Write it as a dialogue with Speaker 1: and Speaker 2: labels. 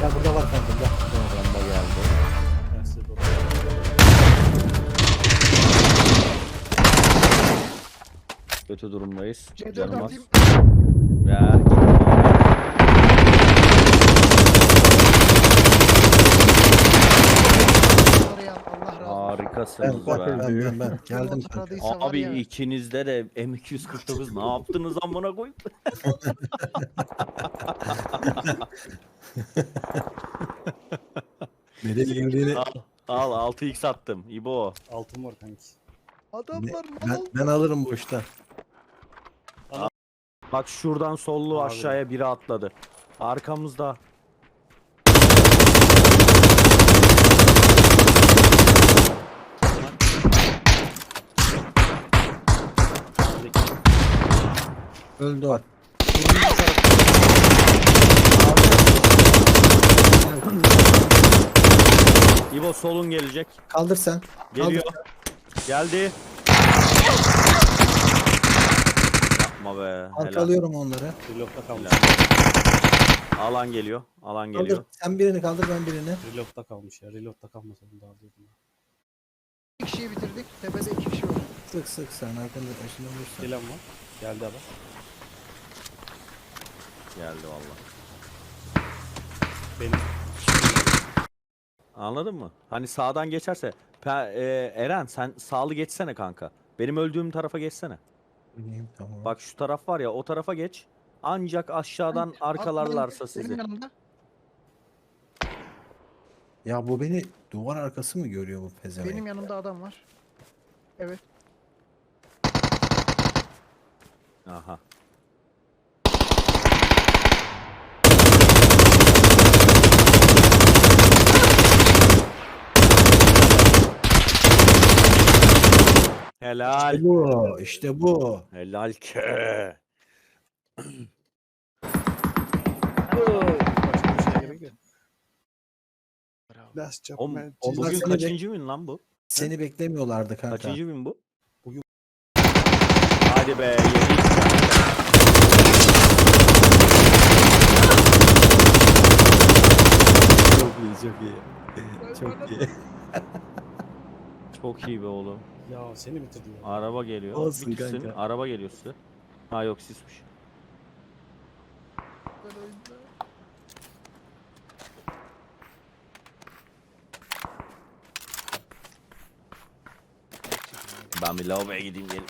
Speaker 1: Ya burada var kanka burada.
Speaker 2: Bomba geldi.
Speaker 3: Ben size doğru.
Speaker 2: Kötü durumdayız.
Speaker 4: C4
Speaker 2: Canım az.
Speaker 4: atayım.
Speaker 2: Ya.
Speaker 4: Oraya Allah razı olsun.
Speaker 2: Harikasınız
Speaker 1: Ben
Speaker 2: be.
Speaker 1: ben geldim
Speaker 4: Kim
Speaker 1: kanka.
Speaker 4: atladıysa var
Speaker 2: Abi
Speaker 4: ya.
Speaker 2: ikinizde de M249 ne yaptınız amına koyup?
Speaker 1: Nereye girdiğini
Speaker 2: Al 6x attım. İbo.
Speaker 3: Altın var kanki.
Speaker 4: Adamlar
Speaker 1: ben,
Speaker 4: mal.
Speaker 1: ben alırım boşta.
Speaker 2: Bak şuradan sollu
Speaker 3: Abi.
Speaker 2: aşağıya biri atladı. Arkamızda.
Speaker 1: Öldü o.
Speaker 2: İbo solun gelecek.
Speaker 1: Kaldır sen.
Speaker 2: Geliyor. Geldi. Yapma be. Helal.
Speaker 1: Arkalıyorum onları.
Speaker 3: Reload'da kalmış.
Speaker 2: Alan geliyor. Alan
Speaker 1: Kaldır.
Speaker 2: geliyor.
Speaker 1: Sen birini kaldır ben birini.
Speaker 3: Reload'da kalmış ya. Reload'da kalmasa bunu da alıyordum.
Speaker 4: İki kişiyi bitirdik. Tepede iki kişi var.
Speaker 1: Sık sık sen arkanda başında vursan.
Speaker 3: Gelen var. Geldi adam.
Speaker 2: Geldi valla.
Speaker 3: Benim.
Speaker 2: Anladın mı? Hani sağdan geçerse. Eren sen sağlı geçsene kanka. Benim öldüğüm tarafa geçsene.
Speaker 1: Bileyim, tamam.
Speaker 2: Bak şu taraf var ya o tarafa geç. Ancak aşağıdan arkalarlarsa
Speaker 4: Benim
Speaker 2: sizi.
Speaker 4: yanımda.
Speaker 1: Ya bu beni duvar arkası mı görüyor bu pezevenk?
Speaker 4: Benim yanımda adam var. Evet.
Speaker 2: Aha. Helal.
Speaker 1: İşte bu. İşte bu.
Speaker 2: Helal ke.
Speaker 3: Başka bir şeye gerek yok.
Speaker 4: Bravo.
Speaker 3: Last job
Speaker 2: Oğlum,
Speaker 3: man.
Speaker 1: Onlar
Speaker 2: bugün
Speaker 1: seni
Speaker 2: kaçıncı gün lan bu?
Speaker 1: Seni beklemiyorlardı kanka.
Speaker 2: Kaçıncı gün bu?
Speaker 3: Bugün-
Speaker 2: Hadi be 7
Speaker 1: Çok iyi, çok iyi. Çok iyi.
Speaker 2: Çok iyi be oğlum.
Speaker 3: Ya seni bitirdi ya.
Speaker 2: Araba geliyor.
Speaker 1: Olsun
Speaker 2: Bir kişinin
Speaker 1: kanka.
Speaker 2: araba geliyor size. Ha yok sismiş. Ben bir lavaboya gideyim gelin.